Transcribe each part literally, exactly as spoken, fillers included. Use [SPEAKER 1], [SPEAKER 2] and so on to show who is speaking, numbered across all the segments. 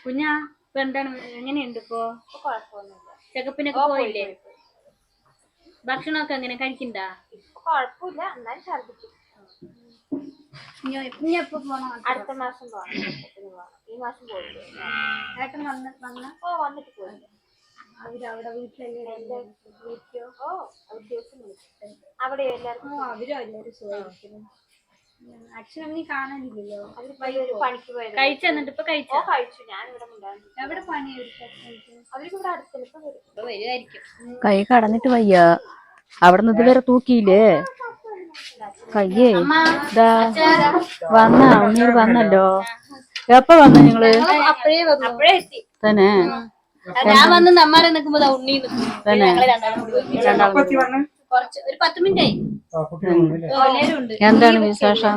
[SPEAKER 1] കുഞ്ഞാ ഇപ്പൊ എന്താണ് എങ്ങനെയുണ്ട് ഇപ്പൊ? ചെക്കപ്പിനൊക്കെ പോയില്ലേ? ഭക്ഷണമൊക്കെ എങ്ങനെ കഴിക്കണ്ട?
[SPEAKER 2] കുഴപ്പമില്ല, എന്നാലും ഛർദിക്കും.
[SPEAKER 1] ഇനി എപ്പോ പോണം?
[SPEAKER 2] അടുത്ത മാസം പോകണം. ഈ മാസം പോയില്ലേ?
[SPEAKER 1] ഏട്ടൻ വന്ന് വന്ന
[SPEAKER 2] ഓ വന്നിട്ട് പോയില്ല.
[SPEAKER 1] അവരവിടെ വീട്ടിലെല്ലാം
[SPEAKER 2] വീട്ടിലോ? ഓ അവർ ദിവസം വിളിക്കും. അവിടെ എല്ലാവർക്കും
[SPEAKER 1] അവരും എല്ലാവരും സുഖമായിരിക്കുന്നു. അച്ഛനമ്മ കാണാനില്ലല്ലോ,
[SPEAKER 2] അവര് പണിക്ക് പോയത്.
[SPEAKER 1] കഴിച്ചു എന്നിട്ട് ഇപ്പൊ കഴിച്ചോ?
[SPEAKER 2] കഴിച്ചു. ഞാൻ ഇവിടെ
[SPEAKER 1] എവിടെ പണി?
[SPEAKER 2] അവർക്ക് ഇവിടെ അടുത്ത് ഇപ്പൊ
[SPEAKER 1] വരുമായിരിക്കും.
[SPEAKER 3] കൈ കടന്നിട്ട് വയ്യ, അവിടെ നിന്ന് ഇതുവരെ തൂക്കിയില്ലേ കയ്യേ. ഇതാ വന്ന ഉണ്ണീർ വന്നല്ലോ. എപ്പ വന്നു നിങ്ങള്?
[SPEAKER 1] അപ്പഴേ വന്നു. അപ്പഴേ എത്തി
[SPEAKER 3] തന്നെ.
[SPEAKER 1] ഞാൻ വന്ന് നമ്മാരെ നിക്കുമ്പോ ഉണ്ണി
[SPEAKER 3] തന്നെ
[SPEAKER 1] കുറച്ച് ഒരു പത്ത് മിനിറ്റ് ആയി.
[SPEAKER 3] എന്താണ് വിശേഷം?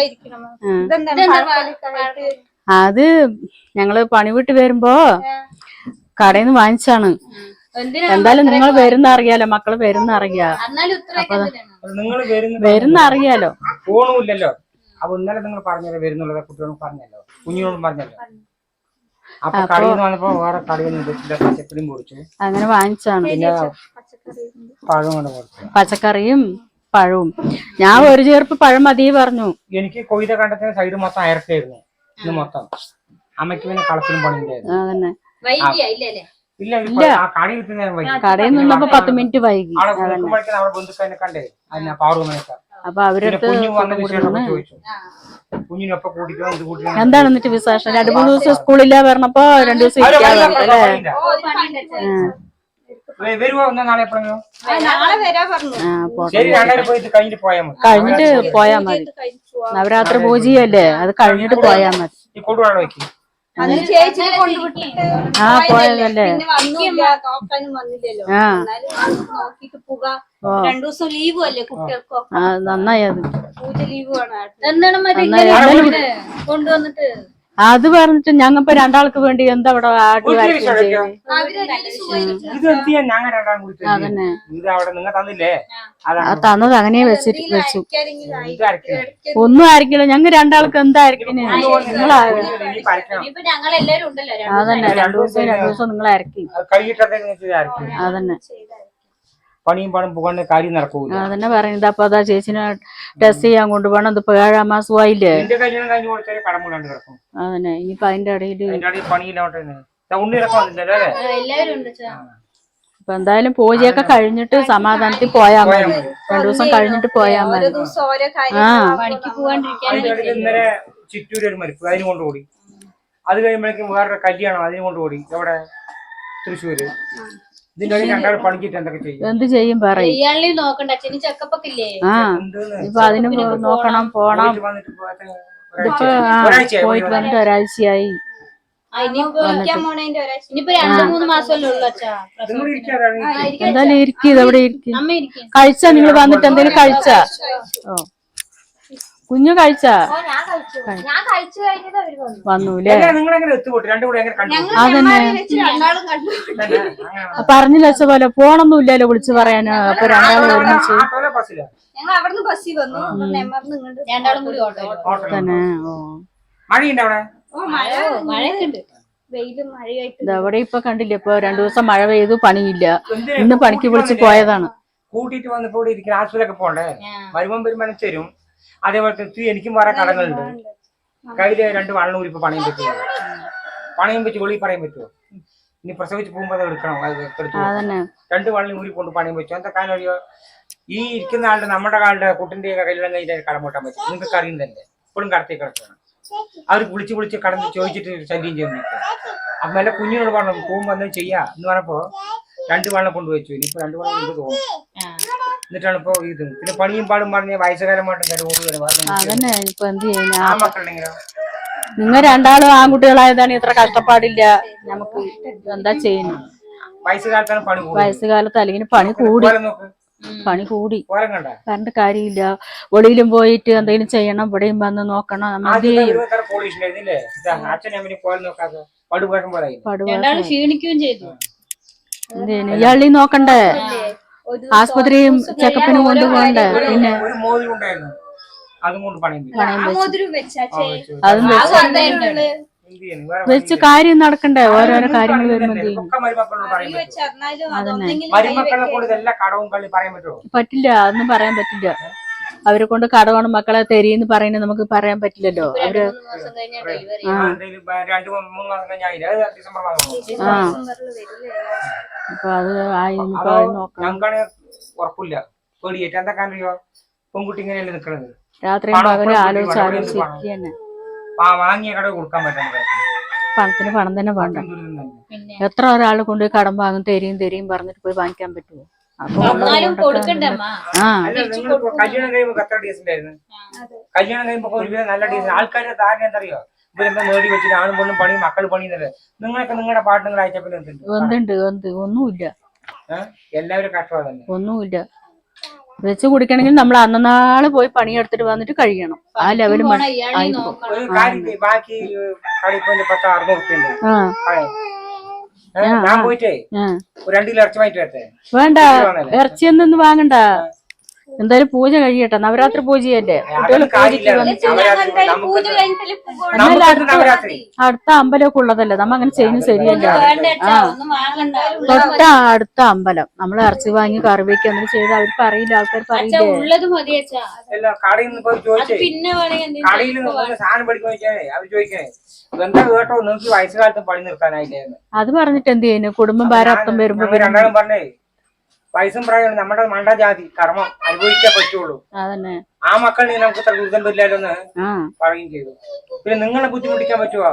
[SPEAKER 3] അത് ഞങ്ങള് പണി വിട്ട് വരുമ്പോ കടയിൽ നിന്ന് വാങ്ങിച്ചാണ്. എന്തായാലും നിങ്ങൾ വരുന്ന അറിയാലോ, മക്കള് വരുന്ന അറിയാ. അപ്പൊ വരുന്ന അറിയാലോ.
[SPEAKER 4] ഫോണുമില്ലല്ലോ. അപ്പൊ ഇന്നലെ നിങ്ങൾ പറഞ്ഞല്ലോ വരുന്നുള്ളത്, കുട്ടികളും പറഞ്ഞല്ലോ, കുഞ്ഞിനോടും പറഞ്ഞല്ലോ. അപ്പൊ കടയിൽ നിന്ന് വന്നപ്പോ വേറെ കടയിൽ നിന്ന് പച്ചക്കറിയും പൊടിച്ചു, അങ്ങനെ
[SPEAKER 3] വാങ്ങിച്ചാണ്.
[SPEAKER 4] പിന്നെ പഴം കൊണ്ട് കൊടുത്തു.
[SPEAKER 3] പച്ചക്കറിയും പഴവും. ഞാൻ ഒരു ചേർപ്പ് പഴം മതി പറഞ്ഞു.
[SPEAKER 4] എനിക്ക് കൊയ്ത കണ്ടത്തിന് സൈഡ് മൊത്തം അയർക്കായിരുന്നു ഇന്ന് മൊത്തം. അമ്മയ്ക്ക് പിന്നെ കളത്തിലും പണിയുണ്ടായിരുന്നു.
[SPEAKER 3] അതന്നെ.
[SPEAKER 4] ഇല്ല,
[SPEAKER 3] കടയിൽ നിന്നപ്പോ പത്ത് മിനിറ്റ് വൈകി.
[SPEAKER 4] അവിടെ ബന്ധുക്കാരെ കണ്ടേ, അതിനാ പാറുമനൊക്കെ.
[SPEAKER 3] അപ്പൊ അവരടുത്ത്
[SPEAKER 4] കുഞ്ഞിനൊപ്പം കൂട്ടിക്കോ ഇത് കൂട്ടിക്കോ.
[SPEAKER 3] എന്താണ് എന്നിട്ട് വിശേഷം? രണ്ടു മൂന്ന് ദിവസം സ്കൂളില്ല പറഞ്ഞപ്പോ രണ്ടു ദിവസം ഇരിക്കാതെ അല്ലേ?
[SPEAKER 4] വരുവോ നാളെ എപ്പോഴെങ്കിലും?
[SPEAKER 3] കഴിഞ്ഞിട്ട് പോയാ മതി. നവരാത്രി പൂജയല്ലേ, അത് കഴിഞ്ഞിട്ട് പോയാ മതി. ആ പോയതല്ലേ.
[SPEAKER 1] രണ്ടു ദിവസം ലീവും അല്ലേ കുട്ടികൾക്കോ?
[SPEAKER 3] ആ നന്നായി. അത്
[SPEAKER 1] പൂജ ലീവ് ആണ്. എന്താണ് കൊണ്ടുവന്നിട്ട്
[SPEAKER 3] അത് പറഞ്ഞിട്ട് ഞങ്ങപ്പോ രണ്ടാൾക്ക് വേണ്ടി എന്താ ഇവിടെ അതന്നെ തന്നത് അങ്ങനെ വെച്ചിട്ട് വെച്ചു. ഒന്നും ആയിരിക്കില്ല, ഞങ്ങ രണ്ടാൾക്ക് എന്തായിരിക്കും. അതന്നെ രണ്ടു ദിവസം രണ്ടു ദിവസം നിങ്ങൾ അരക്കി. അതന്നെ
[SPEAKER 4] പണിയും പണം പോകാൻ കാര്യം നടക്കൂല.
[SPEAKER 3] അതന്നെ പറയുന്നത്. അപ്പൊ അതാ ചേച്ചിനെ ടെസ്റ്റ് ചെയ്യാൻ കൊണ്ടുപോകണം. ഇതിപ്പോ ഏഴാം മാസമായില്ലേ. അതന്നെ. ഇനിയിപ്പൊ അതിന്റെ ഇടയില് അപ്പൊ എന്തായാലും പൂജയൊക്കെ കഴിഞ്ഞിട്ട് സമാധാനത്തിൽ പോയാ മതി. രണ്ടു ദിവസം കഴിഞ്ഞിട്ട് പോയാ മതി. ആ
[SPEAKER 4] ഇന്നലെ ചിറ്റൂര് ഒരു മരിപ്പ്, അതിന് കൊണ്ടുകൂടി. അത് കഴിയുമ്പോഴേക്കും വേറൊരു കല്യാണം, അതിന് കൊണ്ടുകൂടി. എവിടെ? തൃശ്ശൂര്. ഇതിന്റെ രണ്ടാൾ പണിക്കിട്ട് എന്തൊക്കെ ചെയ്യും?
[SPEAKER 3] എന്ത് ചെയ്യും പറയും. ആ ഇപ്പൊ അതിന് നോക്കണം, പോണം. ഇതിപ്പോ പോയിട്ട് വന്നിട്ട് ഒരാഴ്ചയായി. എന്തായാലും ഇരിക്കും, ഇതെവിടെ ഇരിക്കും. കഴിച്ചാ നിങ്ങൾ വന്നിട്ട് എന്തെങ്കിലും കഴിച്ചാ? ഓ കുഞ്ഞു കഴിച്ചാ? വന്നൂല്ലേ? അതന്നെ പറഞ്ഞില്ല വെച്ച പോലെ ഫോണൊന്നും ഇല്ലല്ലോ വിളിച്ചു പറയാനോ. അപ്പൊ രണ്ടാളും ഒരുമിച്ച് തന്നെ. ഓ ഇതവിടെ ഇപ്പൊ കണ്ടില്ലേ, ഇപ്പൊ രണ്ടു ദിവസം മഴ പെയ്തു, പണിയില്ല. ഇന്ന് പണിക്ക് വിളിച്ച് പോയതാണ്.
[SPEAKER 4] കൂട്ടിട്ട് വന്നപ്പോ ഇവിടെ ഇരിക്കുന്ന ആശുപത്രിയിലൊക്കെ പോണ്ടേ, വരുമ്പം വരുമാനം തരും. അതേപോലെ എനിക്കും വേറെ കടങ്ങളുണ്ട്. കയ്യില് രണ്ട് വള്ളൂരി ഇപ്പൊ പണയം പറ്റുമോ? പണയം വെച്ച് വെളി പറയാൻ പറ്റുമോ? ഇനി പ്രസവിച്ച് പോകുമ്പോ എടുക്കണം. രണ്ട് വള്ളം ഊരി കൊണ്ട് പണയം വെച്ചു. എന്താ കാര്യം അറിയോ? ഈ ഇരിക്കുന്ന ആളുടെ നമ്മുടെ കാളുടെ കുട്ടിന്റെ കല്യാണം കഴിഞ്ഞാൽ കടം കൂട്ടാൻ പറ്റും. നിങ്ങൾക്ക് അറിയും തന്നെ. ഇപ്പോഴും കടത്തി കിടക്കണം. അവർ വിളിച്ച് വിളിച്ച് കടന്ന് ചോദിച്ചിട്ട് ശല്യം ചെയ്യാൻ നിൽക്കും. അപ്പൊ എന്റെ കുഞ്ഞിനോട് പറഞ്ഞു പോകുമ്പോ എന്താ ചെയ്യാ എന്ന് പറഞ്ഞപ്പോ രണ്ട് വള്ളം കൊണ്ടുവച്ചു. ഇനിയിപ്പോ രണ്ട് വള്ളം കൊണ്ട് തോന്നും. എന്നിട്ടാണ് ഇപ്പൊ ഇത്. പിന്നെ പണിയും പാടും പറഞ്ഞ വയസ്സുകാരമായിട്ടും
[SPEAKER 3] അതന്നെ. ഇപ്പൊ എന്ത് ചെയ്യുന്ന
[SPEAKER 4] മക്കളുണ്ടെങ്കിലോ?
[SPEAKER 3] നിങ്ങൾ രണ്ടാളും ആൺകുട്ടികളായതാണ്, ഇത്ര കഷ്ടപ്പാടില്ല. നമുക്ക് എന്താ ചെയ്യുന്നു?
[SPEAKER 4] വയസ്സുകാലത്താണ് പണി.
[SPEAKER 3] വയസ്സുകാലത്ത് അല്ലെങ്കിൽ പണി കൂടി, പണി കൂടി പറഞ്ഞിട്ട് കാര്യമില്ല. വെളിയിലും പോയിട്ട് എന്തെങ്കിലും ചെയ്യണം, ഇവിടെയും വന്ന് നോക്കണം.
[SPEAKER 1] ക്ഷീണിക്കുകയും ചെയ്തു.
[SPEAKER 3] ഇയാളി നോക്കണ്ടേ, ആസ്പത്രിയും ചെക്കപ്പിനും കൊണ്ടുപോകണ്ടേ. പിന്നെ
[SPEAKER 4] അതും കൊണ്ട് പണയം
[SPEAKER 3] അതും
[SPEAKER 4] എന്ത് ചെയ്യണം? വേറെ
[SPEAKER 3] വെച്ച് കാര്യം നടക്കണ്ടേ, ഓരോരോ കാര്യങ്ങൾ വരുമ്പോ എന്ത് ചെയ്യും?
[SPEAKER 4] ഒക്കെ മരുമക്കളോട് പറയാൻ പറ്റുമോ?
[SPEAKER 2] വെച്ചറിഞ്ഞാലും
[SPEAKER 3] അതന്നെ.
[SPEAKER 2] അതൊന്നെങ്കിലും
[SPEAKER 4] മരുമക്കളെ കൊണ്ട് ഇതെല്ലാം കടവും കളി പറയാൻ പറ്റുമോ?
[SPEAKER 3] പറ്റില്ല, അതൊന്നും പറയാൻ പറ്റില്ല. അവരെ കൊണ്ട് കടമാണ് മക്കളെ തെരീന്ന് പറയുന്നത് നമുക്ക് പറയാൻ പറ്റില്ലല്ലോ. അവര്
[SPEAKER 1] മൂന്ന് മാസം കഴിഞ്ഞാ ഡെലിവറി
[SPEAKER 4] ആ, എന്തെങ്കിലും ഇപ്പൊ രണ്ട് മൂന്ന് മാസം കഴിഞ്ഞാൽ അത് ഡിസംബർ മാസം
[SPEAKER 3] ആ അപ്പൊ അത് ആയി ഇനിയിപ്പോ അത് നോക്കാം.
[SPEAKER 4] ഞങ്ങൾക്കാണെങ്കിൽ ഉറപ്പില്ല, പേടിയേറ്റ്. എന്താ കാരണോ പെൺകുട്ടി ഇങ്ങനെയല്ലേ നിക്കണത്.
[SPEAKER 3] രാത്രിയും
[SPEAKER 4] പണം
[SPEAKER 3] പകലും
[SPEAKER 4] എപ്പോഴും
[SPEAKER 3] ആലോചിച്ച്
[SPEAKER 4] കൂട്ടി
[SPEAKER 3] ആലോചിച്ച്
[SPEAKER 4] വേണം.
[SPEAKER 3] ഇരിക്കുക തന്നെ.
[SPEAKER 4] ആ വാങ്ങിയ കട കൊടുക്കാൻ പറ്റാൻ
[SPEAKER 3] പണത്തിന് പണം തന്നെ വേണ്ട.
[SPEAKER 1] പിന്നെ
[SPEAKER 3] എത്ര ഒരാൾ കൊണ്ടുപോയി കടം വാങ്ങും, തെരിയും തെരിയും പറഞ്ഞിട്ട് പോയി വാങ്ങിക്കാൻ പറ്റുമോ? അപ്പൊ
[SPEAKER 1] എന്നാലും കൊടുക്കണ്ടേ അമ്മ?
[SPEAKER 3] ആ
[SPEAKER 4] അല്ല, നിങ്ങളിപ്പോ കല്യാണം കഴിയുമ്പോ എത്ര ഡീസന്റ് ആയിരുന്നു? കല്യാണം കഴിയുമ്പോ ഒരുവിധം നല്ല ഡീസന്റ്. ആൾക്കാരുടെ ധാരണ എന്തറിയോ, ഇവരെന്താ നേടി വെച്ചിട്ട് ആണും പെണ്ണും പണി മക്കൾ പണിയുന്നത്. നിങ്ങളൊക്കെ നിങ്ങളുടെ പാട്ടുകൾ അയച്ചപ്പോൾ എന്തുണ്ട്?
[SPEAKER 3] എന്തുണ്ട് എന്ത് ഒന്നുമില്ല,
[SPEAKER 4] ഏഹ് എല്ലാവരും കഷ്ടമാണ് തന്നെ.
[SPEAKER 3] ഒന്നുമില്ല. വെച്ച് കുടിക്കണമെങ്കിൽ നമ്മൾ അന്നനാള് പോയി പണിയെടുത്തിട്ട് വന്നിട്ട് കഴിയണം. ആ ലെവലും
[SPEAKER 1] പോണ ഇയാളെ നോക്കണം.
[SPEAKER 4] ഒരു കാര്യം ചെയ്യ്, ബാക്കി കടിപ്പിന്റെ പത്ത് അറുന്നൂറ് ഉറുപ്പ്യ ഉണ്ട്.
[SPEAKER 3] ആ
[SPEAKER 4] ഏഹ് ഞാൻ പോയിട്ടേ
[SPEAKER 3] ആ
[SPEAKER 4] ഒരു രണ്ട് കിലോ ഇറച്ചി വാങ്ങിട്ട് വരട്ടെ?
[SPEAKER 3] വേണ്ട, ഇറച്ചിയൊന്നും വാങ്ങണ്ട. എന്തായാലും പൂജ കഴിയട്ടെ, നവരാത്രി പൂജയല്ലേ, കുട്ടികൾ പൂജയ്ക്ക് വന്നിട്ട്
[SPEAKER 2] പൂജ കഴിഞ്ഞിട്ടല്ലേ പോകണം.
[SPEAKER 3] എന്നാൽ
[SPEAKER 4] നമുക്ക് നവരാത്രി
[SPEAKER 3] അടുത്ത അമ്പലമൊക്കെ ഉള്ളതല്ലേ, നമ്മ അങ്ങനെ ചെയ്യുന്നത് ശരിയല്ല.
[SPEAKER 1] വേണ്ട അച്ഛാ, ഒന്നും വാങ്ങണ്ട.
[SPEAKER 3] തൊട്ട അടുത്ത അമ്പലം നമ്മൾ ഇറച്ചി വാങ്ങി കറി വെക്കുക എന്നിട്ട് ചെയ്ത് അവർക്ക് അറിയില്ല, ആൾക്കാർ
[SPEAKER 1] അച്ഛാ
[SPEAKER 3] പറയില്ലേ.
[SPEAKER 1] ഉള്ളത് മതി അച്ഛാ.
[SPEAKER 4] എല്ലാം കടയിൽ നിന്ന് പോയി
[SPEAKER 1] അത്
[SPEAKER 4] ചോദിച്ചേ,
[SPEAKER 1] പിന്നെ വേണമെങ്കിൽ
[SPEAKER 4] കടയിൽ നിന്ന് സാധനം പഠിക്കാൻ ചോദിക്കാനേ അവർ ചോദിക്കണേ എന്താ കേട്ടോ നിങ്ങൾക്ക് വയസ്സുകാലത്ത് പണി നിർത്താനായില്ലേ?
[SPEAKER 3] അത് പറഞ്ഞിട്ട് എന്ത് ചെയ്യുന്നു, കുടുംബം ഭാരാർത്ഥം വരുമ്പോ
[SPEAKER 4] ഞങ്ങൾ രണ്ടാളും പറഞ്ഞേ വയസ്സും പ്രായമാണ് നമ്മുടെ മണ്ട ജാതി കർമ്മം അനുഭവിക്കാൻ പറ്റുള്ളൂ.
[SPEAKER 3] അതന്നെ.
[SPEAKER 4] ആ മക്കളിനെ നമുക്ക് ഇത്ര ദുരിതം വരില്ലല്ലോ എന്ന്
[SPEAKER 3] ആ
[SPEAKER 4] പറയുകയും ചെയ്തു. പിന്നെ നിങ്ങളെ ബുദ്ധിമുട്ടിക്കാൻ പറ്റുമോ?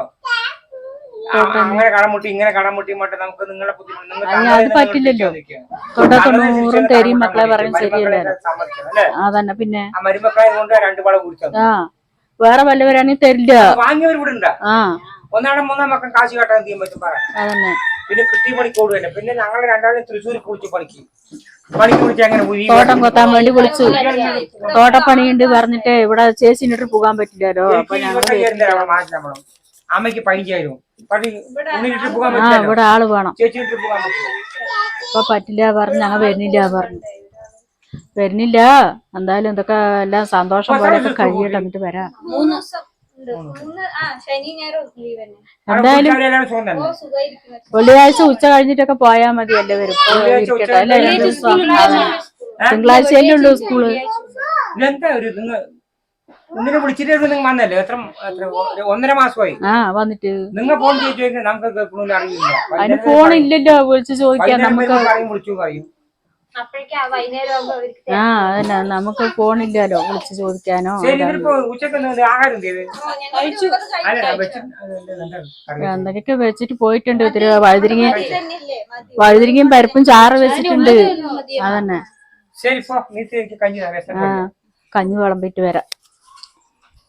[SPEAKER 4] ആ, അങ്ങനെ കടമുട്ടി ഇങ്ങനെ കടമുട്ടി മറ്റേ നമുക്ക് നിങ്ങളെ ബുദ്ധിമുട്ട്
[SPEAKER 3] അത് പറ്റില്ലല്ലോ. തൊണ്ട തൊണ്ണൂറും തെരിയും മക്കളെ പറയുന്നത് ശരിയല്ലേ.
[SPEAKER 4] അല്ലേ?
[SPEAKER 3] അതന്നെ. പിന്നെ
[SPEAKER 4] ആ മരുമക്കളെ കൊണ്ട് രണ്ട് വള കുടിച്ചത്
[SPEAKER 3] ആ വേറെ വല്ലവരാണെങ്കിൽ തരില്ല.
[SPEAKER 4] വാങ്ങിയവർ ഇവിടെ ഉണ്ടാ.
[SPEAKER 3] ആ
[SPEAKER 4] ഒന്നാടെ മൂന്നാം മക്കൾ കാശ് കാട്ടാൻ എന്ത് ചെയ്യാൻ പറ്റും പറ.
[SPEAKER 3] അതന്നെ.
[SPEAKER 4] പിന്നെ കിട്ടി പണിക്ക് ഓടുകയല്ലേ. പിന്നെ ഞങ്ങൾ രണ്ടാളും തൃശ്ശൂർ കുളിച്ച് പണിക്ക് പണിക്ക് വിളിച്ച് അങ്ങനെ ഉരി
[SPEAKER 3] തോട്ടം കൊത്താൻ വേണ്ടി വിളിച്ചു. തോട്ടപ്പണിയുണ്ട് പറഞ്ഞിട്ട് ഇവിടെ ചേച്ചിനിട്ട് പോകാൻ പറ്റില്ലല്ലോ. അപ്പൊ ഞങ്ങൾ
[SPEAKER 4] മാറ്റണം. അമ്മയ്ക്ക് പതിനഞ്ചായിരം പണി ഉണ്ണിട്ട് പോകാൻ
[SPEAKER 3] ആ
[SPEAKER 4] പറ്റില്ല,
[SPEAKER 3] ഇവിടെ ആള് വേണം.
[SPEAKER 4] ചേച്ചിട്ട് പോകാൻ പറ്റില്ല.
[SPEAKER 3] ഇപ്പൊ പറ്റില്ല പറഞ്ഞു, ഞങ്ങൾ വരുന്നില്ല പറഞ്ഞു. വരുന്നില്ല. എന്തായാലും എന്തൊക്കെ എല്ലാം സന്തോഷം പോലെയൊക്കെ കഴിയട്ടെ, എന്നിട്ട് വരാം.
[SPEAKER 1] മൂന്ന് ദിവസം
[SPEAKER 2] മൂന്ന് ആ ശനി ഞായറും ലീവ് തന്നെ.
[SPEAKER 3] എന്തായാലും
[SPEAKER 4] എല്ലാവരും സുഖം തന്നെ.
[SPEAKER 2] സുഖമായിരിക്കും.
[SPEAKER 3] വെള്ളിയാഴ്ച ഉച്ച കഴിഞ്ഞിട്ടൊക്കെ പോയാ മതി എല്ലാവരും. ഇരിക്കട്ടെ അല്ലെ, രണ്ടു ദിവസം. തിങ്കളാഴ്ചയല്ലേ ഉള്ളൂ സ്കൂള്.
[SPEAKER 4] ഇതെന്താ ഒരു നിങ്ങൾ ഇങ്ങനെ വിളിച്ചിട്ട് നിങ്ങൾ വന്നല്ലേ? എത്ര എത്ര ഒരു ഒന്നര മാസമായി
[SPEAKER 3] ആ വന്നിട്ട്
[SPEAKER 4] നിങ്ങൾ ഫോൺ ചെയ്ത് ചോദിക്കുന്നത് നമുക്ക് കേൾക്കണമെന്ന് അറിയില്ല.
[SPEAKER 3] അതിന് ഫോണില്ലല്ലോ വിളിച്ചു ചോദിക്കാൻ നമുക്ക്.
[SPEAKER 4] പറയും വിളിച്ചു പറയും.
[SPEAKER 2] അപ്പോഴേക്കും ആ വൈകുന്നേരം ആകുമ്പോ അവർക്ക്
[SPEAKER 3] ആ അതന്നെ, നമുക്ക് ഫോണില്ലല്ലോ വിളിച്ചു ചോദിക്കാനോ.
[SPEAKER 4] ശരി, ഇതിപ്പോ ഉച്ചക്ക് എന്ത് ആഹാരം ചെയ്ത്
[SPEAKER 2] കഴിച്ചു.
[SPEAKER 4] അല്ല വെച്ചിട്ട്
[SPEAKER 3] എന്തൊക്കെ വെച്ചിട്ട് പോയിട്ടുണ്ട്. ഇത്തിരി വഴുതിരിങ്ങ
[SPEAKER 2] തന്നെയല്ലേ മതി.
[SPEAKER 3] വഴുതിരിങ്ങയും പരിപ്പും ചാറ് വെച്ചിട്ടുണ്ട്. അതന്നെ.
[SPEAKER 4] ശരി, ഇപ്പൊ നീ എനിക്ക് കഞ്ഞി തരാം.
[SPEAKER 3] ആ കഞ്ഞി വിളമ്പിട്ട് വരാം.